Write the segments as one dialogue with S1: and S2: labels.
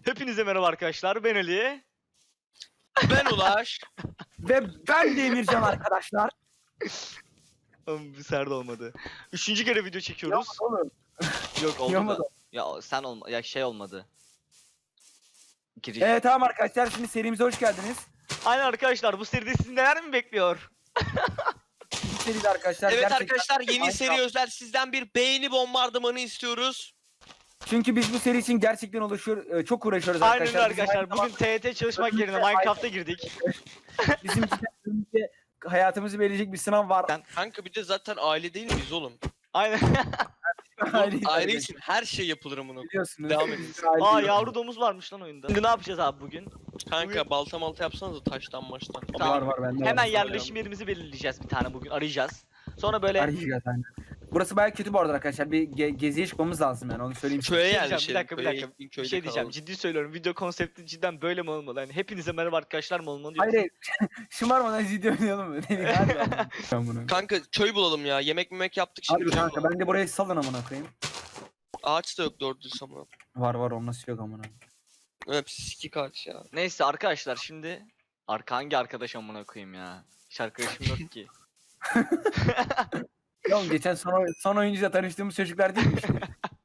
S1: Hepinize merhaba arkadaşlar, ben Ali.
S2: Ben Ulaş.
S3: Ve ben de Emircan arkadaşlar.
S1: Oğlum bir serde olmadı. Üçüncü kere video çekiyoruz.
S3: Oğlum.
S1: Yok oldu
S3: Yapmadı.
S1: da. Ya sen olma, ya şey olmadı. Giriş.
S3: Evet tamam arkadaşlar, şimdi serimize hoş geldiniz.
S1: Aynen arkadaşlar, bu seride sizi neler mi bekliyor?
S3: Bu seride arkadaşlar
S2: Evet
S3: gerçekten...
S2: arkadaşlar, yeni
S3: Minecraft-
S2: seri özel sizden bir beğeni bombardımanı istiyoruz.
S3: Çünkü biz bu seri için gerçekten çok uğraşıyoruz
S1: Aynen
S3: arkadaşlar.
S1: öyle arkadaşlar. Bugün TYT çalışmak yerine Minecraft'a girdik.
S3: Bizim önümüzde hayatımızı belirleyecek bir sınav var.
S2: Kanka bir de zaten aile değil miyiz oğlum?
S1: Aynen.
S2: Aile için her şey yapılır amına.
S3: Biliyorsunuz.
S2: Devam edin.
S3: Biz aile-
S1: Aa, yavru domuz varmış lan oyunda. Şimdi ne yapacağız abi bugün?
S2: Kanka balta malta yapsanız da taştan maçtan.
S3: Var var bende.
S1: Hemen
S3: var.
S1: yerleşim yerimizi belirleyeceğiz bir tane bugün. Arayacağız. Sonra böyle
S3: Arayacağız aynen. Burası bayağı kötü bu arada arkadaşlar. Bir geziye çıkmamız lazım yani, onu söyleyeyim.
S2: Köye
S1: Bir şey diyeceğim,
S2: yerleşelim.
S1: bir dakika. Bir
S2: köyde
S1: şey diyeceğim,
S2: kalalım.
S1: ciddi söylüyorum. Video konsepti cidden böyle mi olmalı? Yani hepinize merhaba arkadaşlar mı olmalı?
S3: Hayır hayır. Şımarmadan video oynayalım mı? Hadi abi. Ben bunu.
S2: Kanka köy bulalım ya. Yemek yaptık şimdi.
S3: Hadi
S2: köy
S3: kanka,
S2: bulalım.
S3: ben de burayı salın amına koyayım.
S2: Ağaç da yok doğru düz amına.
S3: Var var, o nasıl yok amına.
S2: Hepsi sikik ağaç ya.
S1: Neyse arkadaşlar, şimdi hangi arkadaş amına koyayım ya? Hiç arkadaşım yok ki.
S3: Ya oğlum, geçen son oyuncuyla tanıştığımız çocuklar değil mi işte?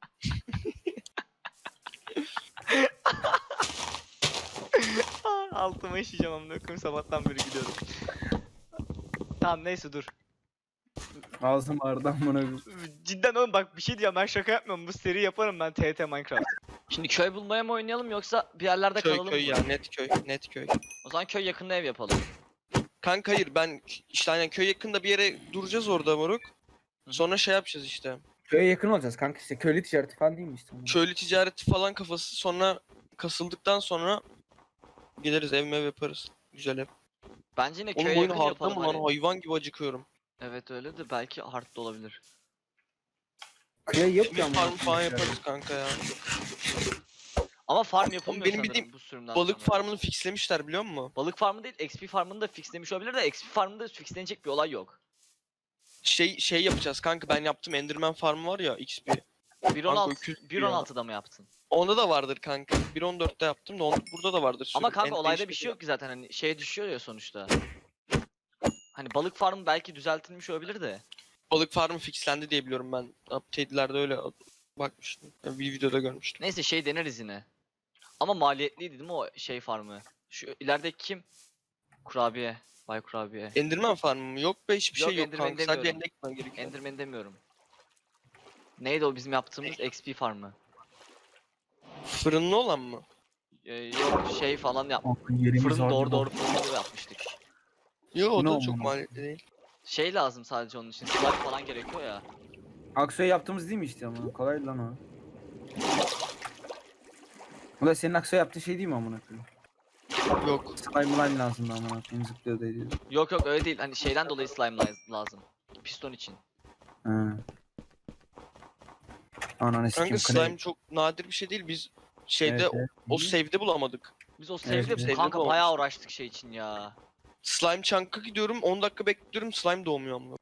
S1: Altıma işeyeceğim amına koyayım, sabahtan beri gidiyorum. Tamam neyse dur.
S3: Ağzım ağrıdı amına koyayım.
S1: Cidden oğlum bak, bir şey diyeceğim, ben şaka yapmıyorum, bu seri yaparım ben TRT Minecraft. Şimdi köy bulmaya mı oynayalım yoksa bir yerlerde
S2: Köy
S1: kalalım
S2: köy
S1: mı?
S2: ya, net köy net köy.
S1: O zaman köy yakında ev yapalım.
S2: Kanka hayır, ben işte aynen köy yakında bir yere duracağız orada moruk. Sonra şey yapacağız işte.
S3: Köye yakın olacağız kanka, işte köylü ticareti falan değil mi işte?
S2: Köylü ticareti falan kafası, sonra kasıldıktan sonra gideriz ev mev yaparız. Güzel ev.
S1: Bence yine
S2: Oğlum
S1: köye
S2: oyun
S1: yakın
S2: hardta
S1: yapalım
S2: mı lan?
S1: hani.
S2: Hayvan gibi acıkıyorum.
S1: Evet öyle de belki hard da olabilir.
S3: Köye yok ya
S2: Şimdi
S3: amına
S2: farm falan
S3: koyayım.
S2: yaparız kanka ya.
S1: Ama farm yapılmıyor
S2: benim
S1: sanırım
S2: bildiğim
S1: bu sürümden
S2: Balık
S1: sonra.
S2: farmını fixlemişler biliyor musun?
S1: Balık farmı değil, XP farmını da fixlemiş olabilir de XP farmında fixlenecek bir olay yok.
S2: Şey yapacağız kanka, ben yaptım Enderman farmı var ya XP.
S1: 1.16
S2: öküz
S1: 1.16'da mı yaptın?
S2: Onda da vardır kanka. 1.14'te yaptım da burada da vardır.
S1: Ama
S2: sürüm.
S1: kanka
S2: En
S1: olayda bir
S2: değişik
S1: şey yok ki zaten, hani şeye düşüyor ya sonuçta. Hani balık farmı belki düzeltilmiş olabilir de.
S2: Balık farmı fixlendi diye biliyorum ben. Update'lerde öyle bakmıştım. Bir videoda görmüştüm.
S1: Neyse şey deneriz yine. Ama maliyetliydi değil mi o şey farmı? Şu ilerideki kim? Kurabiye. Bay Kurabiye.
S2: Enderman farmı mı? Yok be, hiçbir
S1: Yok,
S2: şey yok
S1: Enderman
S2: kanka. Sadece
S1: demiyorum.
S2: ender gitmen gerekiyor.
S1: Enderman demiyorum. Neydi o bizim yaptığımız XP farmı?
S2: Fırınlı olan mı?
S1: Yok şey falan yap.
S3: Kanka, yerimiz
S1: Fırın
S3: var
S1: doğru
S3: gibi.
S1: doğru fırını yapmıştık.
S2: Yok o
S3: Ne
S2: da
S3: oldu
S2: çok
S3: lan?
S2: maliyetli değil.
S1: Şey lazım sadece onun için. Slime falan gerekiyor ya.
S3: Aksoy yaptığımız değil mi işte ama? Kolay lan o. Bu da senin Aksoy yaptığın şey değil mi amına koyayım?
S2: Yok.
S3: Slime lazım da amına koyayım, zıplıyor da ediyor.
S1: Yok öyle değil. Hani şeyden dolayı slime lazım. Piston için.
S3: Ha. Ananı
S2: Kanka
S3: sikeyim.
S2: slime çok nadir bir şey değil. Biz şeyde
S3: Evet, evet.
S2: o save'de bulamadık.
S1: Biz o
S3: Evet,
S1: save'de
S3: evet.
S1: kanka
S2: Save'de
S1: bayağı
S2: olmuş.
S1: uğraştık şey için ya.
S2: Slime chunk'a gidiyorum, 10 dakika bekliyorum, slime doğmuyor ama.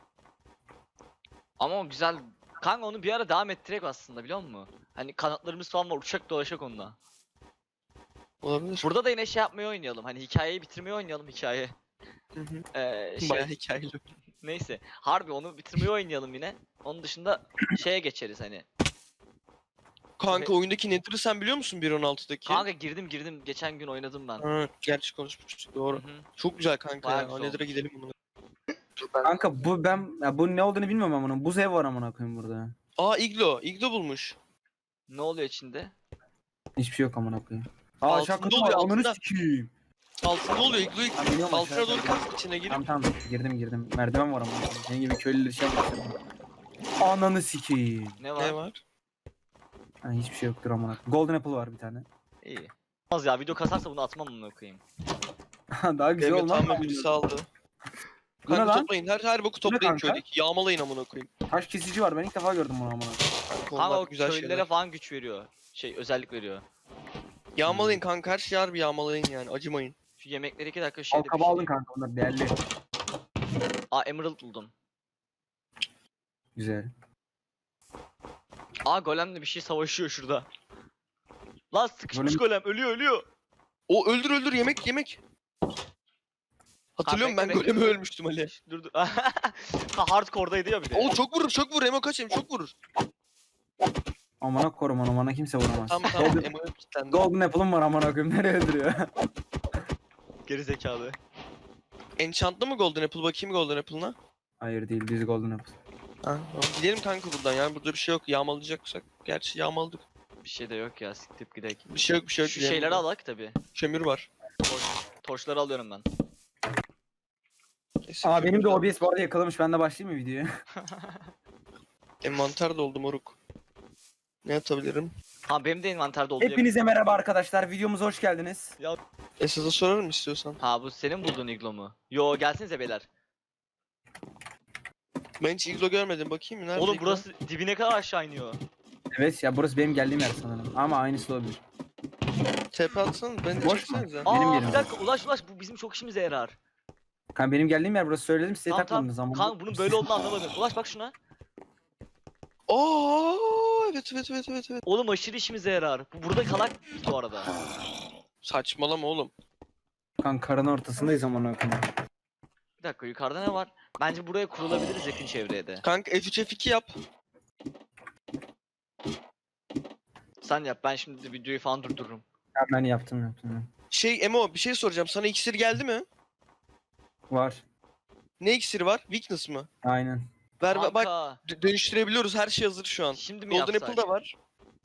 S1: Ama o güzel. Kanka onu bir ara devam ettirek aslında, biliyor musun? Hani kanatlarımız falan var, uçak dolaşak onunla.
S2: Olabilir.
S1: Burada da yine şey yapmayı oynayalım. Hani hikayeyi bitirmeyi oynayalım, hikaye.
S2: Hı hı.
S1: Şey,
S2: Bayağı hikayeli.
S1: neyse. Harbi onu bitirmeyi oynayalım yine. Onun dışında şeye geçeriz hani.
S2: Kanka oyundaki Nether'ı sen biliyor musun 1.16'daki?
S1: Kanka girdim. Geçen gün oynadım ben.
S2: Ha, gerçi konuşmuştuk doğru.
S1: Hı hı.
S2: Çok güzel kanka
S1: Bayağı
S2: ya.
S1: güzel
S2: Nether'a
S1: olmuş.
S2: gidelim bunu.
S3: Kanka bu ne olduğunu bilmiyorum ama bunun. Buz ev var amına koyayım burada.
S2: Aa iglo bulmuş.
S1: Ne oluyor içinde?
S3: Hiçbir şey yok amına koyayım.
S2: Altında
S3: şaka
S2: oluyor,
S3: var, ananı
S2: altında.
S3: sikeyim.
S2: Altında oluyor igloyu.
S3: Ben biliyorum
S2: Altına
S3: aşağıda.
S2: doğru kaz içine girip.
S3: Tamam girdim. Merdiven var amına koyayım. Senin gibi köylüler şey yapmasın. Ananı sikeyim.
S1: Ne var?
S2: Ne var?
S3: Ha, hiçbir şey yoktur amına koyayım. Golden apple var bir tane.
S1: İyi. Az ya, video kasarsa bunu atmam bunu koyayım.
S3: Daha güzel
S2: Devlet
S3: olmaz
S2: tamam
S3: mı?
S2: birisi aldı.
S3: Bu ne
S2: Kanka
S3: lan?
S2: toplayın, her boku toplayın
S3: kanka?
S2: köydeki. Yağmalayın amına koyayım.
S3: Taş kesici var, ben ilk defa gördüm bunu amına koyayım.
S2: Kanka
S1: Kanka
S2: onlar
S1: o
S2: güzel
S1: köylülere
S2: şeyler.
S1: falan güç veriyor. Şey özellik veriyor.
S2: Yağmalayın kanka, her şeyi harbi yağmalayın yani, acımayın.
S1: Şu yemekleri 2 dakika
S3: Al
S1: şeyde
S3: kaba aldın kanka, onlar değerli.
S1: Aa, emerald buldum.
S3: Güzel.
S1: Aa, golemle bir şey savaşıyor şurada. Lan Lan sıkışmış golem ölüyor.
S2: O öldür yemek. Hatırlıyorum ben
S1: bekle,
S2: golemi
S1: bekle.
S2: ölmüştüm Ali.
S1: Dur. Ha, hardcore'daydı ya bir de.
S2: O çok vur Emo kaç çok vurur.
S3: Amına korum onu, bana kimse vuramaz.
S2: Tamam Emo'ya kilitlendi.
S3: Golden Apple'ım var amına koyayım, nereye öldürüyor?
S1: Geri zekalı.
S2: Enchant'lı mı Golden Apple? Bakayım Golden Apple'ına.
S3: Hayır değil, düz Golden Apple.
S2: Ha, tamam. Gidelim kanka buradan yani burada bir şey yok. Yağmalayacaksak. Gerçi yağmaladık.
S1: Bir şey de yok ya, siktip gidek.
S2: Bir şey yok.
S1: Şu
S2: gidelim
S1: şeyleri
S2: buradan.
S1: alak tabi.
S2: Kömür var.
S1: Torçları alıyorum ben.
S2: Neyse,
S3: Aa benim de
S2: kömür
S3: OBS bu arada yakalamış, ben de başlayayım mı videoya?
S2: Envanter doldu moruk. Ne atabilirim?
S1: Ha benim de envanterde oldu.
S3: Hepinize merhaba arkadaşlar, videomuza hoş geldiniz.
S2: Esas'a sorarım istiyorsan.
S1: Ha bu senin bulduğun iglo mu? Yo gelsinize beyler.
S2: Ben hiç iglo görmedim. Bakayım mı? Nerede
S1: Oğlum
S2: iglo?
S1: burası dibine kadar aşağı iniyor.
S3: Evet ya, burası benim geldiğim yer sanırım ama aynısı olabilir.
S2: TP atsana. Ben de
S3: Boş mu?
S2: çeksenize.
S3: Benim
S1: Aa
S3: yerim.
S1: bir dakika ulaş bu bizim çok işimize yarar.
S3: Kanka benim geldiğim yer burası, söyledim size,
S1: Tamam
S3: takmadınız ama.
S1: Kanka bunun böyle olduğunu anlamadım. Ulaş bak şuna.
S2: Aa evet.
S1: Oğlum aşırı işimize yarar. Bu burada kalak bu arada.
S2: Saçmalama oğlum.
S3: Kanka karın ortasındayız amına koyayım.
S1: Bir dakika yukarıda ne var? Bence buraya kurulabiliriz yakın çevreye de.
S2: Kanka F3 F2 yap.
S1: Sen yap, ben şimdi videoyu falan durdururum.
S3: Ya ben yaptım.
S2: Emo bir şey soracağım. Sana iksir geldi mi?
S3: Var.
S2: Ne iksiri var? Weakness mı?
S3: Aynen.
S2: Ver bak
S1: Kanka,
S2: dönüştürebiliyoruz. Her şey hazır şu an.
S1: şimdi mi
S2: Golden
S1: yapsak?
S2: Apple da var.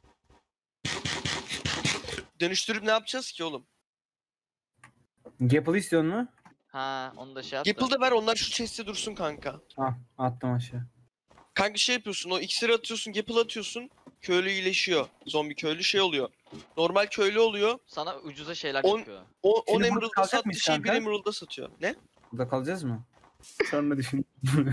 S2: Dönüştürüp ne yapacağız ki oğlum?
S3: Gapple istiyor mu?
S1: Ha onu da şey yap da.
S2: Apple'da ver onlar şu chest'te dursun kanka.
S3: Ah attım aşağı.
S2: Kanka şey yapıyorsun o iksiri atıyorsun Gapple atıyorsun. Köylü iyileşiyor. Zombi köylü şey oluyor. Normal köylü oluyor.
S1: Sana ucuza şeyler
S2: On-
S1: yapıyor.
S2: 10
S3: Şimdi burada
S2: Emerald'da
S3: kalacak
S2: sattığı
S3: mıyız
S2: şey 1
S3: kanka?
S2: Emerald'da satıyor. Ne?
S3: Burada kalacağız mı? Sonra düşün.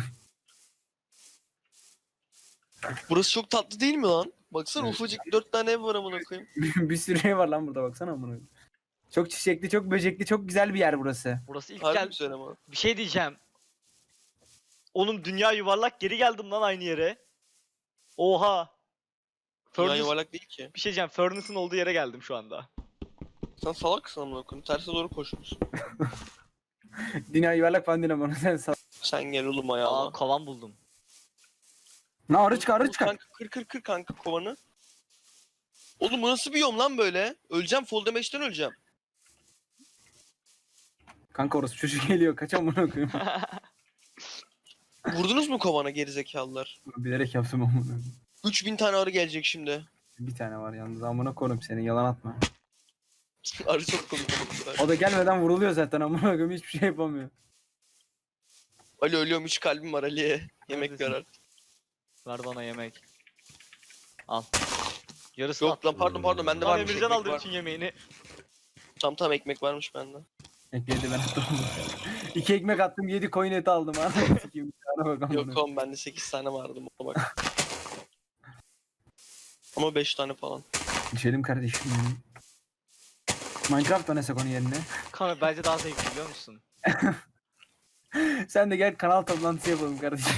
S2: Burası çok tatlı değil mi lan? Baksana
S3: Evet.
S2: ufacık 4 tane ev var amına koyayım.
S3: Bir sürü şey var lan burada, baksana amına koyayım. Çok çiçekli, çok böcekli, çok güzel bir yer burası.
S1: Burası ilk
S2: Harbi
S1: gel.
S2: güzel ama.
S1: Bir şey diyeceğim. Oğlum dünya yuvarlak, geri geldim lan aynı yere. Oha.
S2: Dünya
S1: Furnace-
S2: yuvarlak değil ki.
S1: Bir şey diyeceğim. Furnace'ın olduğu yere geldim şu anda.
S2: Sen salaksın amına koyayım. Terse doğru koşuyorsun.
S3: Dünya yuvarlak falan değil ama sen sal.
S2: Sen gel oğlum
S1: Aa
S2: ayağıma.
S1: kovan buldum.
S3: Ne arı çıkar, arı çıkar.
S2: Kanka kır kanka kovanı. Oğlum bu nasıl bir yom lan böyle? Öleceğim fall damage'den öleceğim.
S3: Kanka orası çocuk geliyor, kaç amına koyayım.
S2: Vurdunuz mu kovana gerizekalılar?
S3: Bilerek yaptım amına koyayım.
S2: 3000 tane arı gelecek şimdi.
S3: Bir tane var yalnız, amına koyayım seni, yalan atma.
S2: Arı çok komik oldu.
S3: O da gelmeden vuruluyor zaten amına koyayım, hiçbir şey yapamıyor.
S2: Ali ölüyorum 3 kalbim var Ali'ye. Yemek
S1: Neredesin?
S2: ver artık.
S1: Ver bana yemek. Al. Yarısı
S2: Yok lan pardon bende
S1: Lan
S2: varmış
S1: Emircan
S2: ekmek
S1: aldı
S2: var.
S1: bütün yemeğini.
S2: Tam ekmek varmış bende.
S3: Ekmeği de ben attım. 2 ekmek attım, 7 koyun eti aldım. Anasını sikeyim, bir tane bak amına
S2: Yok oğlum bende 8 tane vardı ona bak. Ama 5 tane falan.
S3: Düşelim kardeşim benim. Minecraft oynasak onun yerine.
S1: Kanka bence daha zevkli biliyor musun?
S3: Sen de gel, kanal toplantısı yapalım kardeşim.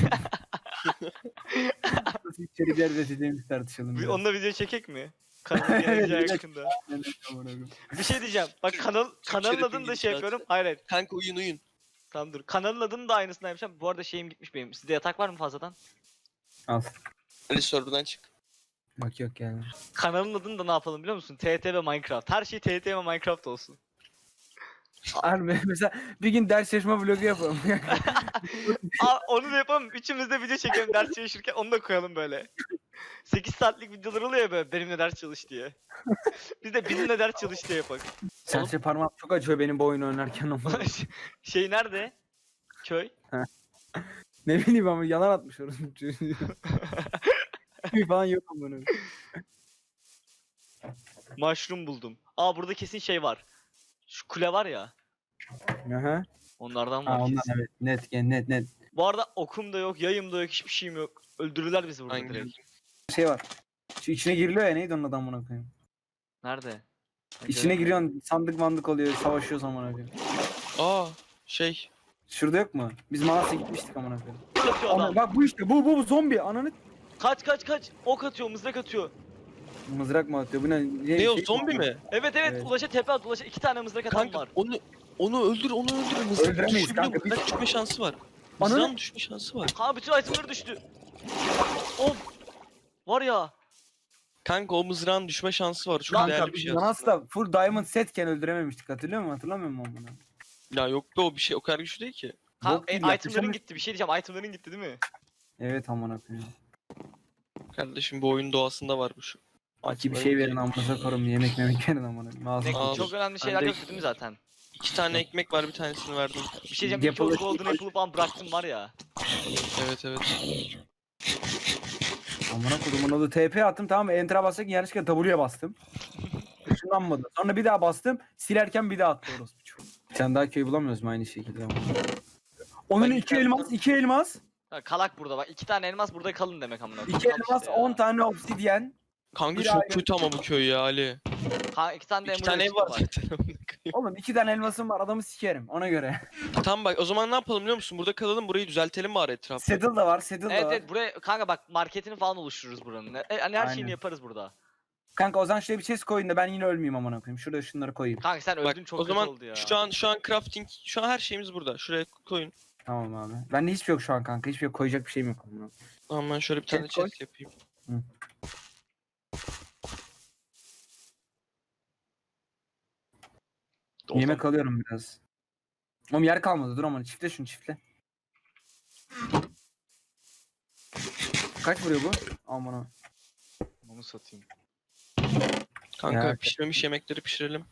S3: Nasıl içerikler üreteceğimizi tartışalım. biraz.
S1: Onunla video çekek mi? Kanalın geleceği
S3: Evet,
S1: yakında.
S3: Ben de amına koyayım.
S1: Bir şey diyeceğim. Bak kanalın
S2: Şerefin
S1: adını da şey
S2: gidişatı.
S1: yapıyorum. Hayır.
S2: Kanka uyun.
S1: Tamam dur. Kanalın adını da aynısını yapacağım. Bu arada şeyim gitmiş benim. Sizde yatak var mı fazladan?
S3: Al.
S2: Ali server'dan çık.
S3: Bak yok yani.
S1: Kanalın adını da ne yapalım biliyor musun? TT ve Minecraft. Her şey TT ve Minecraft olsun.
S3: Harbi mesela bir gün ders çalışma vlogu yapalım.
S1: Aa, onu da yapalım. Üçümüz de video çekelim ders çalışırken onu da koyalım böyle. 8 saatlik videolar oluyor ya böyle benimle ders çalış diye. Biz de bizimle ders çalış diye yapak.
S3: Serçe parmağım çok acıyor benim bu oyunu oynarken ama.
S1: Şey nerede? Köy.
S3: Ne bileyim ama yalan atmış orası. Bir falan yok ama bunu.
S1: Mushroom buldum. Aa burada kesin şey var. Şu kule var ya.
S3: Aha.
S1: Onlardan var
S3: Ha, ondan
S1: kesin.
S3: evet, net.
S1: Bu arada okum da yok, yayım da yok, hiçbir şeyim yok. Öldürürler bizi burada
S2: Aynen.
S1: direkt.
S3: Şey var. Şu içine giriliyor ya, neydi onun adı amına koyayım.
S1: Nerede? Ben
S3: İçine
S1: göremiyorum.
S3: giriyorsun, sandık mandık oluyor, savaşıyoruz amına koyayım.
S2: Aa şey.
S3: Şurada yok mu? Biz Malas'a gitmiştik amına koyayım.
S1: Ok atıyor adam.
S3: Bak bu işte, bu zombi ananı.
S1: Kaç. Ok atıyor, mızrak atıyor.
S3: Mızrak mı atıyor? Bu ne?
S2: Ne o zombi mi?
S1: Evet
S3: Evet.
S1: Ulaş'a tepe at. Ulaş'a 2 tane mızrak atan
S2: Kanka
S1: var.
S2: onu öldür onu öldür. Mızrak
S3: Öldüremeyiz
S2: düşebiliyor mu?
S3: kanka, biz-
S2: Mızrak düşme şansı var.
S3: Ananı-
S2: Mızrağın düşme şansı var.
S1: Ha bütün itemler düştü. Of. Var ya.
S2: Kanka o mızrağın düşme şansı var. Çok
S3: Kanka
S2: değerli bir
S3: biz
S2: şey aslında.
S3: Manas'ta full diamond setken öldürememiştik, hatırlıyor musun? Hatırlamıyor musun onu?
S2: Ya yok be o bir şey o kadar güçlü değil ki.
S1: Ha,
S3: Bok gibi
S1: itemlerin
S3: yaklaşamış.
S1: gitti. Bir şey diyeceğim. Itemlerin gitti değil mi?
S3: Evet amına koyayım.
S2: Kardeşim bu oyun doğasında var bu şu.
S3: Aki bir şey verin amına koyayım, yemek memek verin amına koyayım. Ağzına
S1: Ne,
S2: Aa,
S1: çok önemli şeyler
S2: ben de-
S1: yoktu değil mi zaten?
S2: 2 tane ekmek var bir tanesini verdim.
S1: Bir şey diyeceğim. İlk
S3: Yapılır.
S1: o golden apple falan bıraktım var ya.
S2: Evet evet.
S3: Amına koyduğumun adı TP attım, tamam mı? Enter'a basarken yanlışlıkla W'ye bastım. Işınlanmadı. Sonra bir daha bastım. Silerken bir daha attı orospu çocuğu. Sen daha köy bulamıyoruz mu aynı şekilde? Onun
S2: Ben
S3: 2 elmas, 2 elmas,
S1: Ha, kalak burada bak. 2 tane elmas burada kalın demek amına.
S3: 2
S1: koyayım. Al
S3: elmas,
S1: işte ya.
S3: 10 tane obsidyen.
S2: Kanka
S3: Bir
S2: çok
S3: ayrı-
S2: kötü ama bu köy ya Ali.
S1: Ha, 2 tane de
S2: 2 tane ev
S1: emerald
S2: var
S1: var.
S2: zaten.
S3: Oğlum 2 tane elmasım var, adamı sikerim ona göre.
S2: Tamam bak o zaman ne yapalım biliyor musun? Burada kalalım burayı düzeltelim bari etrafı.
S3: Saddle da var, saddle da
S1: Evet
S3: var.
S1: evet buraya kanka bak marketini falan oluştururuz buranın. Hani her
S3: Aynen.
S1: şeyini yaparız burada.
S3: Kanka o zaman şuraya bir chest koyun da ben yine ölmeyeyim amına koyayım. Şurada şunları koyayım.
S1: Kanka sen
S2: Bak
S1: öldün çok
S2: o
S1: kötü
S2: zaman
S1: oldu ya.
S2: şu an crafting şu an her şeyimiz burada. Şuraya koyun.
S3: Tamam abi. Bende hiçbir şey yok şu an kanka. Hiçbir şey yok. Koyacak bir şeyim yok. amına.
S2: Tamam ben şöyle bir tane
S3: Chest koy.
S2: chest yapayım.
S3: Yemek alıyorum biraz. Oğlum yer kalmadı. Dur aman, çiftle şunu, çiftle. Kaç vuruyor bu? Aman ha.
S1: Onu satayım.
S2: Kanka
S3: Ya.
S2: pişmemiş yemekleri pişirelim.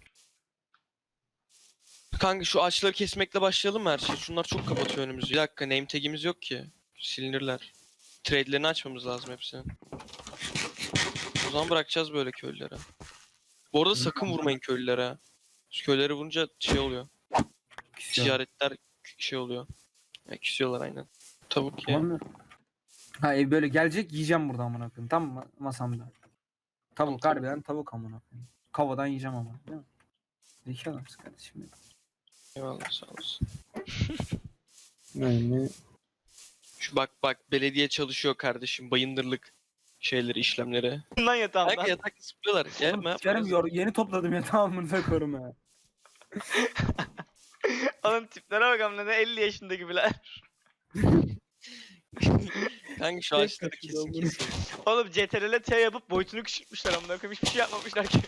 S2: Kanka şu ağaçları kesmekle başlayalım mı her şey? Şunlar çok kapatıyor önümüzü. Bir dakika name tag'imiz yok ki. Silinirler. Trade'lerini açmamız lazım hepsini. O zaman bırakacağız böyle köylülere. Bu arada sakın vurmayın köylülere. Şu köylere vurunca şey oluyor. Ticaretler şey oluyor. Ya, küsüyorlar aynen. Tavuk ya.
S3: Tamam mı? Ha ev böyle gelecek, yiyeceğim burada amına koyayım. Tam masamda. Tavuk,
S2: Tamam.
S3: harbiden tavuk amına koyayım. Kavadan yiyeceğim ama. Değil mi? Zeki adamsın kardeşim benim.
S2: Eyvallah sağ olasın.
S3: Yani
S2: Şu bak belediye çalışıyor kardeşim. Bayındırlık şeyleri işlemleri.
S1: Lan yatağımdan.
S2: Kanka yatak sıkıyorlar. Gelme yapma.
S3: yeni topladım ya, tamamını korum ya.
S1: Oğlum tiplere bak amına ne 50 yaşında gibiler.
S2: Kanka şu ağaçları kesin kesin.
S1: Oğlum CTRL T yapıp boyutunu küçültmüşler amına koyayım. Hiçbir şey yapmamışlar ki.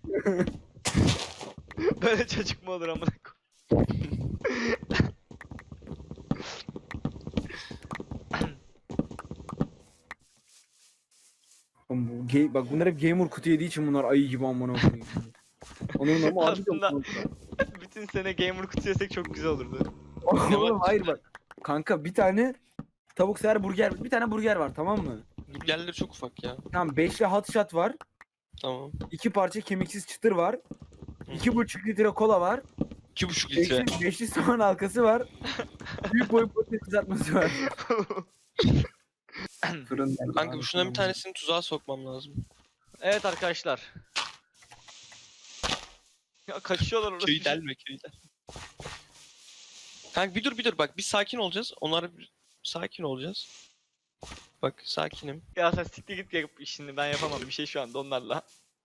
S1: Böyle çocuk mu olur amına koyayım?
S3: Oğlum bak bunlar hep gamer kutu yediği için bunlar ayı gibi amına koyayım. Onun ama
S1: Aslında- Bütün sene gamer kutu yesek çok güzel olurdu.
S3: Oğlum hayır bak. Kanka bir tane tavuk sever burger, bir tane burger var, tamam mı?
S2: Burgerleri çok ufak ya.
S3: Tamam, 5'li hot shot var.
S2: Tamam.
S3: 2 parça kemiksiz çıtır var.
S2: Hı.
S3: 2,5 litre kola var.
S2: 2,5 litre.
S3: 5'li soğan halkası var. Büyük boy patates kızartması var. Fırın.
S2: Kanka şundan bir tanesini tuzağa sokmam lazım.
S1: Evet arkadaşlar. Ya kaçıyorlar orası.
S2: Köyü delme köyü delme. Kanka bir dur bak biz sakin olacağız. Sakin olacağız. Bak sakinim.
S1: Ya sen siktir git yap işini ben yapamam bir şey şu anda onlarla.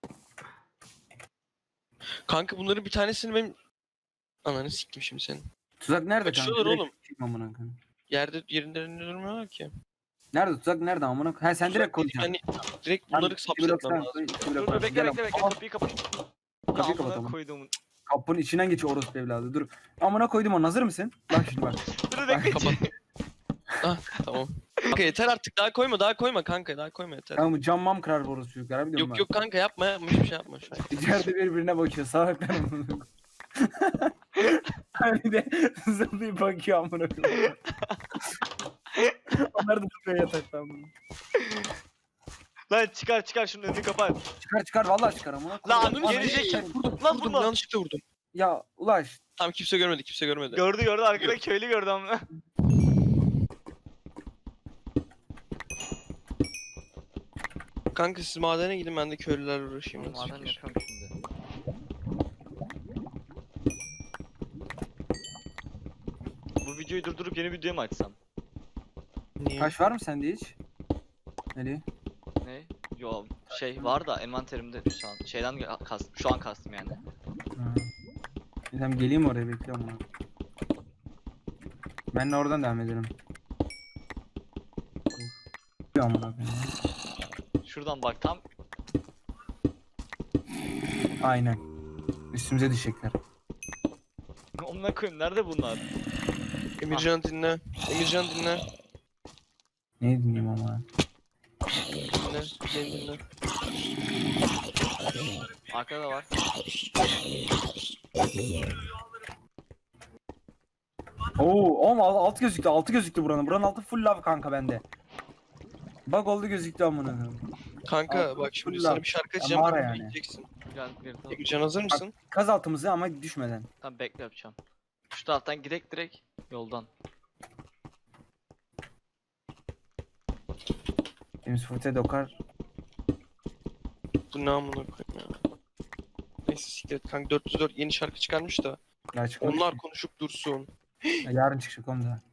S2: Kanka bunların bir tanesini benim... Ananı siktim şimdi senin.
S3: Tuzak nerede
S2: Kaçıyorlar
S3: kanka?
S2: oğlum.
S3: Direkt amına koyayım.
S2: Yerinde durmuyorlar ki.
S3: Nerede tuzak, nerede amına koyayım? Ha sen direkt
S2: Tuzak değil,
S3: koyacaksın.
S2: hani direkt
S3: Tamam,
S2: bunları
S3: iki blok
S2: sapsetmem
S3: sen
S2: lazım.
S3: koy, iki blok
S1: Dur
S3: ben.
S1: dur bekle
S3: Gel
S1: bekle bekle
S3: ama-
S1: kapıyı kapat.
S3: Kapıyı
S1: Ya
S3: kapat
S1: amına
S3: ama.
S1: koyduğumun.
S3: Kapının içinden geçiyor orospu evladı. Dur. Amına koydum onu. Hazır mısın? Bak şimdi bak.
S1: Dur bekle.
S2: Kapat. Ah tamam. Kanka yeter artık daha koyma kanka daha koyma yeter.
S3: Kanka bu cam mam kırar bu orospu çocuklar. Biliyorum
S2: Yok yok kanka yapma hiçbir şey yapma şu an.
S3: İçeride birbirine bakıyor. Salaklar amına koyayım. Hani de zıplayıp bakıyor amına koyayım. Onlar da tutuyor yataktan bunu.
S1: Lan çıkar şunun önünü kapat.
S3: Çıkar vallahi çıkar amına
S1: Lan
S3: koyayım.
S1: gerizekalı.
S2: Vurdum
S1: Lan
S2: vurdum
S1: vurma.
S2: yanlışlıkla vurdum.
S3: Ya Ulaş.
S2: Tamam kimse görmedi.
S1: Gördü arkada köylü gördü amına.
S2: Kanka siz madene gidin ben de köylülerle uğraşayım. nasıl
S1: Maden
S2: fikir?
S1: yapıyorum şimdi. Bu videoyu durdurup yeni video mu açsam?
S2: Niye?
S3: Taş var mı sende hiç? Eli.
S1: Ne? Yo şey var da envanterimde şu an. Şeyden kastım. Şu an kastım yani.
S3: Ha. Tamam geleyim oraya bekliyorum onu. Ben de oradan devam edelim. Bir amına koyayım.
S1: Şuradan bak tam.
S3: Aynen. Üstümüze düşecekler.
S1: Onunla koyayım. Nerede bunlar?
S2: Emircan dinle. Emircan dinle.
S3: Ne dinleyeyim ama.
S2: Dinle. Beni dinle.
S1: Arkada da var.
S3: Oo, oğlum alt gözüktü. Altı gözüktü buranın. Buranın altı full lav kanka bende. Bak oldu gözüktü amına koyayım.
S2: Kanka
S3: Abi,
S2: bak şimdi
S3: fırla.
S2: sana bir şarkı
S3: Ya
S2: açacağım.
S3: mağara
S2: Kanka
S3: yani.
S2: yiyeceksin.
S1: Gel gel tamam.
S2: Emircan hazır mısın?
S3: Kaz altımızı ama düşmeden.
S1: Tamam bekle yapacağım. Şu taraftan direkt yoldan.
S3: Temiz fırtaya dokar.
S2: Bu ne amına koyayım ya. Neyse siktir et kanka 404 yeni şarkı çıkarmış da.
S3: Ya çıkmamış
S2: Onlar
S3: ki.
S2: konuşup dursun.
S3: Ya yarın çıkacak onu da.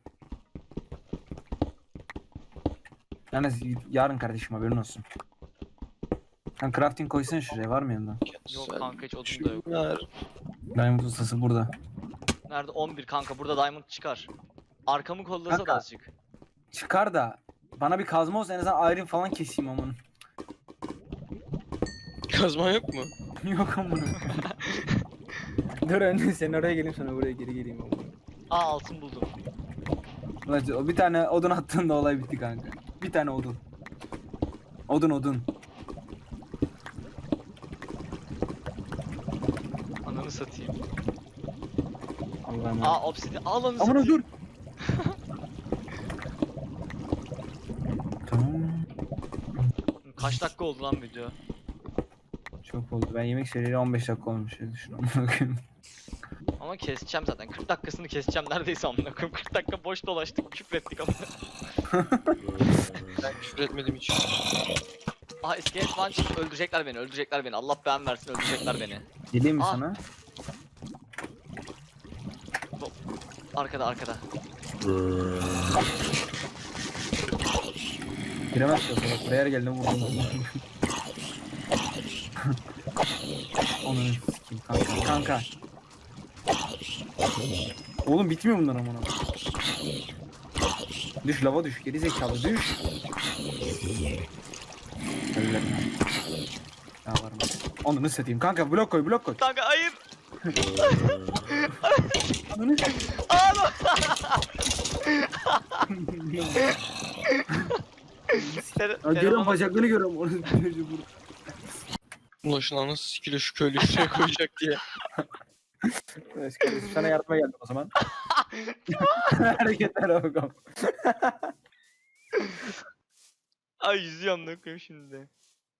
S3: Yalnız yarın kardeşim haberin olsun. Sen crafting koysana şuraya var mı yanında?
S1: Yok kanka hiç odun da yok.
S2: Şunlar.
S3: Diamond ustası burada.
S1: Nerede? 11 kanka burada diamond çıkar. Arkamı kollasa da
S3: Kanka.
S1: azıcık.
S3: Çıkar da bana bir kazma olsa en azından iron falan keseyim amına.
S2: Kazman yok mu?
S3: Yok amına. Dur önce sen oraya geleyim sonra buraya geri geleyim amına.
S1: Aa altın buldum.
S3: Ulan o bir tane odun attığında olay bitti kanka. Bir tane odun. Odun.
S1: Ananı satayım.
S3: Allah'ım.
S1: Aa obsidian. Al onu
S3: Amına
S1: satayım.
S3: dur. Tamam.
S1: Kaç dakika oldu lan video?
S3: Çok oldu. Ben yemek söyleyeli 15 dakika olmuş. Düşün amına koyayım.
S1: Ama keseceğim zaten. 40 dakikasını keseceğim neredeyse amına koyayım. 40 dakika boş dolaştık, küfrettik amına.
S2: Ben küfür etmedim hiç.
S1: Aha iskelet falan çıktı. Öldürecekler beni. Allah beğen versin öldürecekler beni.
S3: Geleyim mi
S1: Aa.
S3: sana?
S1: Arkada.
S3: Giremez ki o salak. Buraya her geldiğinde vurdum. Onu sikeyim kanka. Oğlum bitmiyor bunlar amına. Düş lava düş. Geri zekalı düş. Öyle. Ya var mı? Onu nasıl satayım? Kanka blok koy.
S1: Kanka hayır.
S3: Onu
S1: Aa lan.
S3: görüyorum bacaklarını görüyorum. Onu
S2: Ulan şuna nasıl sikiliyor şu köylü şuraya koyacak diye.
S3: sana yardıma geldim o zaman. Hareketlere bakalım.
S1: Ay yüzüyorum ne koyayım şimdi.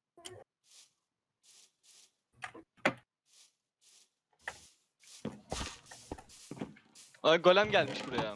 S1: Ay golem gelmiş buraya.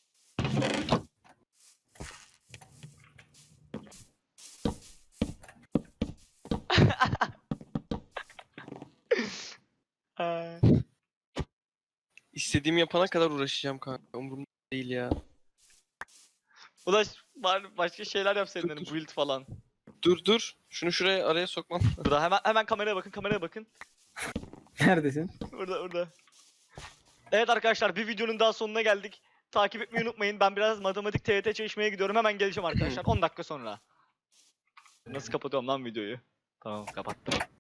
S1: Ay.
S2: İstediğimi yapana kadar uğraşacağım kanka. Umurumda değil ya.
S1: Ulaş bari başka şeyler yapsaydın
S2: Dur,
S1: hani
S2: dur.
S1: build falan.
S2: Dur. Şunu şuraya araya sokmam.
S1: Burada hemen kameraya bakın.
S3: Neredesin?
S1: Burada. Evet arkadaşlar bir videonun daha sonuna geldik. Takip etmeyi unutmayın. Ben biraz matematik TYT çalışmaya gidiyorum. Hemen geleceğim arkadaşlar 10 dakika sonra. Nasıl kapatıyorum lan videoyu? Tamam kapattım.